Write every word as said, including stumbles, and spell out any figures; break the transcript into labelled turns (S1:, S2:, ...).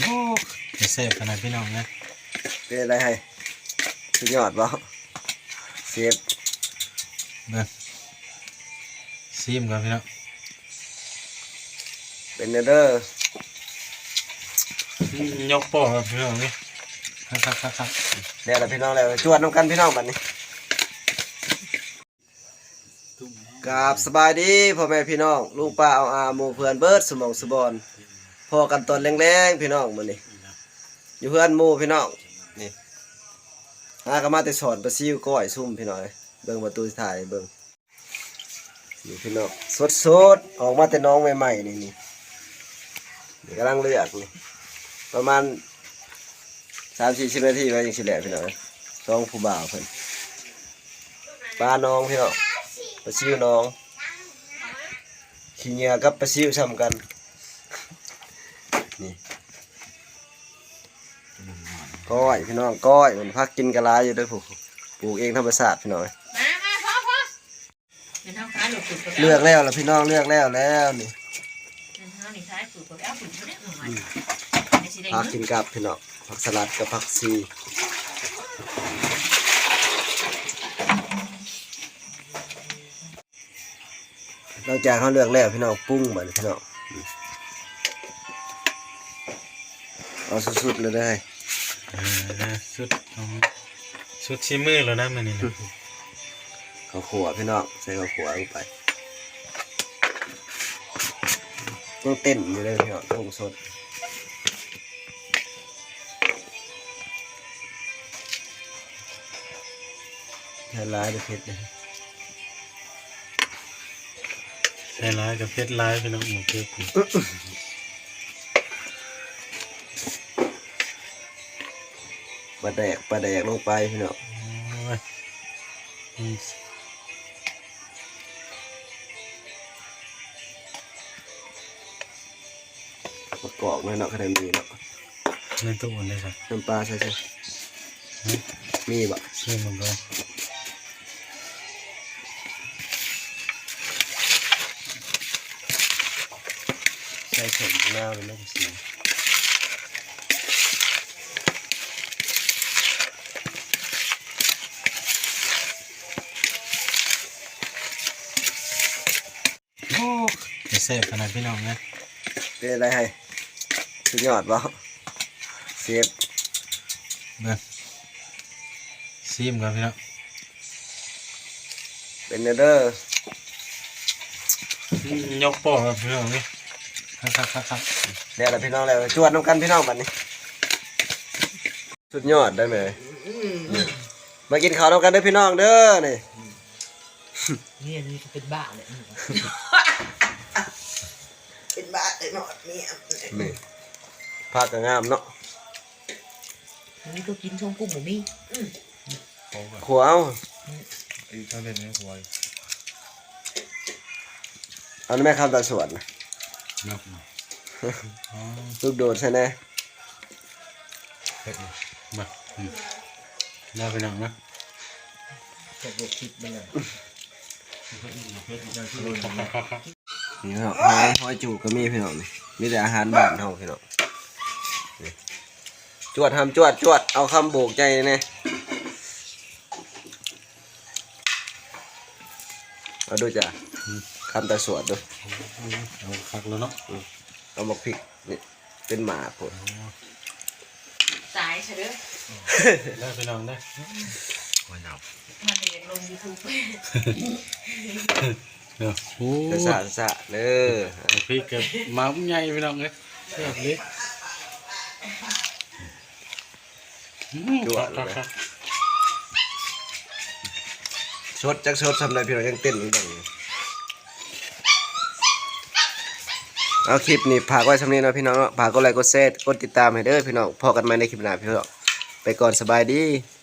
S1: อ้เสพขนาดพี่น้องนะ
S2: เป็นอะไรให้สุดยอดบ่เซฟ
S1: เบิ้งซีมก่อนพี่น้อง
S2: เป็นเด้
S1: อยกโป้ครับพี่น้องนี่ครับครับครับครับ
S2: เดี๋ยวเราพี่น้องแล้วจวดน้ำกันพี่น้องบัดนี้กราบสบายดีพ่อแม่พี่น้องลุงป้าเอาอาหมู่เพื่อนเบิร์ดสมองสบอนพอกันตอนแรงๆพี่น้องมื้อนี้อยู่เพื่อนหมู่พี่น้องนี่หาก็มาแต่สอนปลาซิวก้อยซุ่มพี่น้องเบิ่งประตูถ่ายเบิ่งนี่พี่น้องสดๆออกมาแต่น้องใหม่ๆนี่นี่นี่กำลังเลือกนี่ประมาณ สามสี่สิบนาทีไว้ยังสิแหละพี่น้องน้องผู้บ่าวเพิ่นปลาน้องพี่น้องปลาซิวน้องขี้เหงื่อกับปลาซิวซ้ำกันนี่ก้อยพี่น้องก้อยมันพักกินกะลาอยู่ด้วยผูกปลูกเองธรรมชาติพี่น้องเลือกแล้วล่ะพี่น้องเลือกแล้วแล้วนี่พักกินกับพี่น้องผักสลัดกับผักซีเราจากเขาเลือกแล้วพี่น้องปรุ้งแบบพี่น้องเอาสุดๆเลยได้
S1: สุดสุดชิมือแล้วนะมันนี่นะ
S2: ข้าวขัวพี่น้องใส่ข้าวขัวลงไปต้องเต้นอยู่เลยพี่น้องต้องสดใช้ร้ายด้วยเพชรนะ
S1: ใช้ร้ายกับเพชรร้ายพี่น้องหมูเพชร
S2: ปลาแดกปลาแดกลงไปพี่น้องประกอบไว้เนาะคะแนนมีเนาะ
S1: ในตู้เลยครับ
S2: น้ำปลาใช่ใช่มีบะ
S1: ใช่มันก็
S2: ใส่ผงหน้าเป็นน้ำสี
S1: โอ้เสพขนาดพี่น้องนะ
S2: เป็นอะไรให้สุดยอดบ่เซฟ
S1: เบิ้งซีมก่อนพี่น้อง
S2: เป็นเด้
S1: อยกโป้ครับพี่น้องนี่ครับครับครับครับ
S2: เดี๋ยวเราพี่น้องแล้วจวดน้ำกันพี่น้องบัดนี้สุดยอดได้ไหมมากินข้าวน้ำกันเด้อพี่น้องเด้อนี่
S3: นี่อันนี้เป็นบ้าเลยเป็นบ้าเลยหนอดเนี่ย
S2: นี่ผักก็งามเนาะ
S3: อันนี้ก็กินช่องกุ้งหมูมี่
S2: ขัวเอา
S1: อีกเท่าเล่นนี่ขัว
S2: เอาแม่คำตาสวนลูกโดดใช่ไหม
S1: มาน่าไปหนังนะ
S3: ตกลงคิดมันเลย
S2: นี่ครับหอยหอยจูก็มีพี่น้องนี่มีแต่อาหารบ้านเฮาพี่น้องจวดทำจวดจวดเอาคำโบกใจเนี่ยเอาดูจ้ะคำตาสวดดู
S1: เอาคักแล้วเนาะ
S2: เอาหมกพริกนี่เป็นหมาผล
S3: ตายใช่ไหม
S1: ได้ไปลองได้
S3: มันเด็กลงยูทูบ
S1: เนาะโอ้
S2: สะสะเด้อ
S1: พริกกับม้าใหญ่ไปลองเลยแบบนี้
S2: จวดเลยชดจักชดทำอะไรพี่น้องยังเต้นอยู่ดังเอาคลิปนี้ฝากไว้สำนี้นะพี่น้องฝากกดไลค์กดแชร์กดติดตามให้เด้อพี่น้องพอกันใหม่ในคลิปหน้าพี่น้องไปก่อนสบายดี